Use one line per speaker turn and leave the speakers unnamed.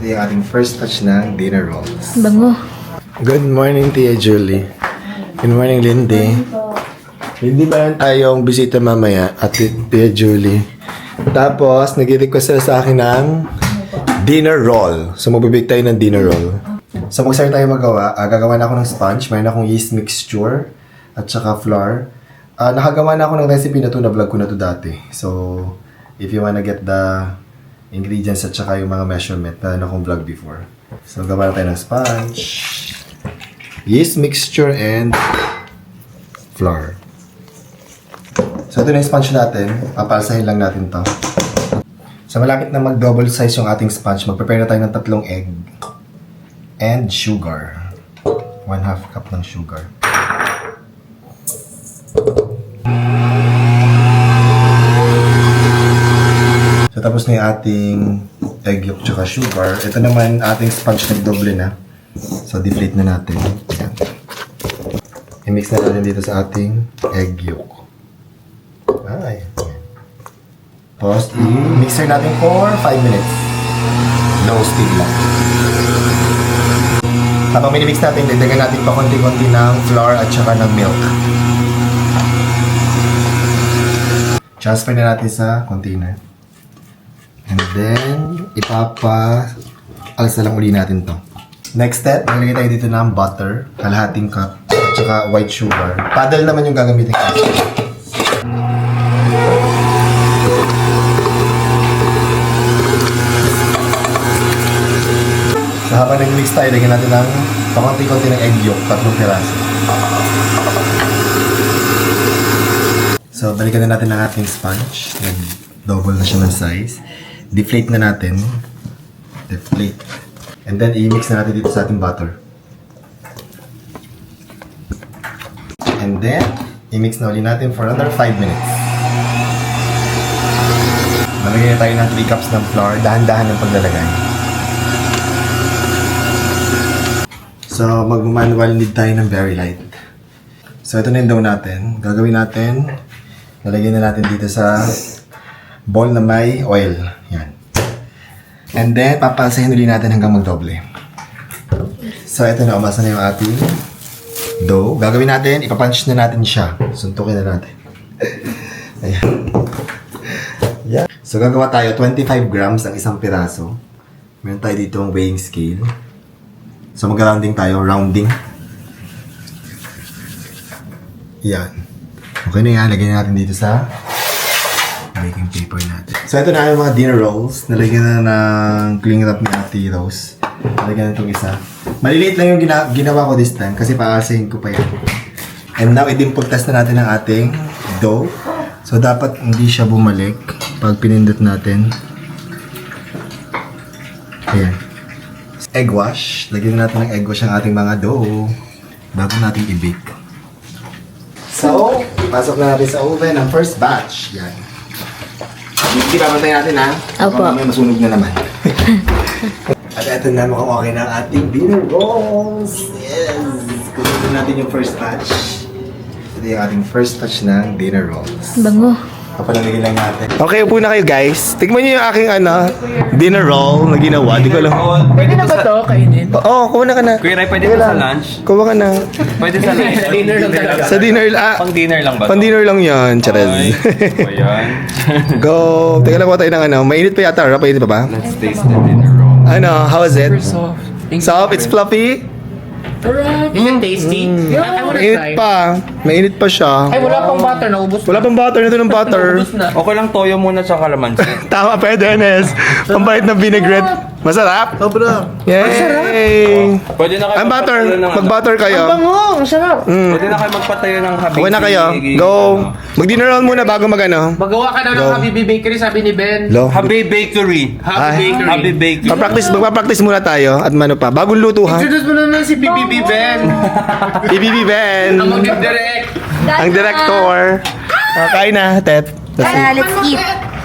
Ito yung ating first touch ng dinner rolls.
Bango.
Good morning, Tia Julie. Good morning, Lindy. Lindy, meron tayong bisita mamaya at Tia Julie. Tapos, nag-request sila sa akin ng dinner roll. So, magbibig tayo ng dinner roll. So, mag-start tayo magawa. Gagawa na ako ng sponge. Mayroon akong yeast mixture at saka flour. Nakagawa na ako ng recipe na to, na-vlog ko na to dati. So, if you wanna get the ingredients at saka yung mga measurement na akong vlog before. So, gawa na tayo ng sponge, yeast mixture, and flour. So, ito na yung sponge natin. Papalsahin lang natin to. So, malapit na mag-double size yung ating sponge. Mag-prepare na tayo ng 3 egg and sugar. 1/2 cup ng sugar. So, tapos na yung ating egg yolk tsaka sugar. Ito naman ating sponge nag-doble na. So, deflate na natin. Ayan. I-mix na natin dito sa ating egg yolk. Ay. Tapos, i-mixer natin for 5 minutes. Low steam lang. Habang minimix natin, dagdagan natin pa konti-konti ng flour at saka ng milk. Transfer na natin sa container. And then, ipapa-alsa lang uli natin to. Next step, maglagay tayo dito ng butter, kalahating cup, at saka white sugar. Paddle naman yung gagamitin ko. So, habang nag-mix tayo, lagyan natin ng pakunti-kunti ng egg yolk, 3 piraso. So, balikan na natin ang ating sponge. Nag-double na siya ng size. Deflate na natin. Deflate. And then, i-mix na natin dito sa ating butter. And then, i-mix na ulit natin for another 5 minutes. Nalagay na tayo ng 3 cups ng flour. Dahan-dahan ng paglalagay. So, mag-manual knead tayo ng very light. So, ito na yung dough natin. Gagawin natin, lalagyan na natin dito sa bowl na may oil. Yan. And then, papasahin ulit natin hanggang magdoble. So, ito na. Umasa na yung ating dough. Gagawin natin, ipapunch na natin siya. Suntukin na natin. Ayan. Yeah. So, gagawa tayo 25 grams ang isang piraso. Meron tayo dito ang weighing scale. So, mag-rounding tayo. Rounding. Yan. Okay na yan. Lagyan natin dito sa baking paper natin. So, ito na yung mga dinner rolls. Nalagyan na ng cling wrap ni Ate Rose. Nalagyan na itong isa. Maliliit lang yung ginawa ko this time kasi paasahin ko pa yan. And now, i-dimple test na natin ang ating dough. So, dapat hindi siya bumalik pag pinindot natin. Ayan. Egg wash. Lagyan natin ng egg wash ang ating mga dough bago natin i-bake. So, pasok na natin sa oven ang first batch. Yan. Hindi papantay natin ha.
Opo.
May masunog na naman. At eto na, mukhang okay na ang ating dinner rolls. Yes! Kunin natin yung first batch. Ito yung ating first batch ng dinner rolls.
Bango.
Kapalalagay lang natin. Okay, upo na kayo guys. Tignan niyo yung aking dinner roll na ginawa. Di ko alam.
Pwede na ba ito kainin?
Oo, kuha na ka na.
Kuya Ray, pwede ba sa lunch?
Kuha ka na.
Pwede sa lunch. Sa dinner lang talaga.
Sa dinner,
Pang dinner lang ba?
pang dinner lang yan, Charez.
Ayan.
Go! Teka lang, kuha tayo ng mainit pa yata, Mainit pa ba?
Let's taste the dinner roll.
How is it?
Soft.
Soft? It's fluffy?
Is it tasty? I wanna
Mainit
try.
pa. Mainit pa siya.
Ay, wala pang butter. Naubos
Wala pang butter. Ito ng butter.
na.
Okay lang toyo muna sa kalamansi.
Tama, pwede, Enes. Pambait ng vinaigrette. Masarap? Sobra. Yay!
Pwede na kayo
Ang butter.
magpatayo ng
Mag-butter kayo.
Bango! Ang sarap!
Pwede na kayo magpatayo ng habi.
Okay na kayo. Go. Mag-dinner roll muna bago mag-ano.
Magawa ka daw ng Habibi Bakery, sabi ni Ben.
Lo.
Habi Bakery.
Happy Bakery.
Habi Bakery.
Magpa-practice muna tayo. At mano pa. Bagong luto ha.
Introduce mo naman si BBB Ben.
BBB Ben.
Ang mag-direct.
Ang director. Kain na, Tet.
Let's eat.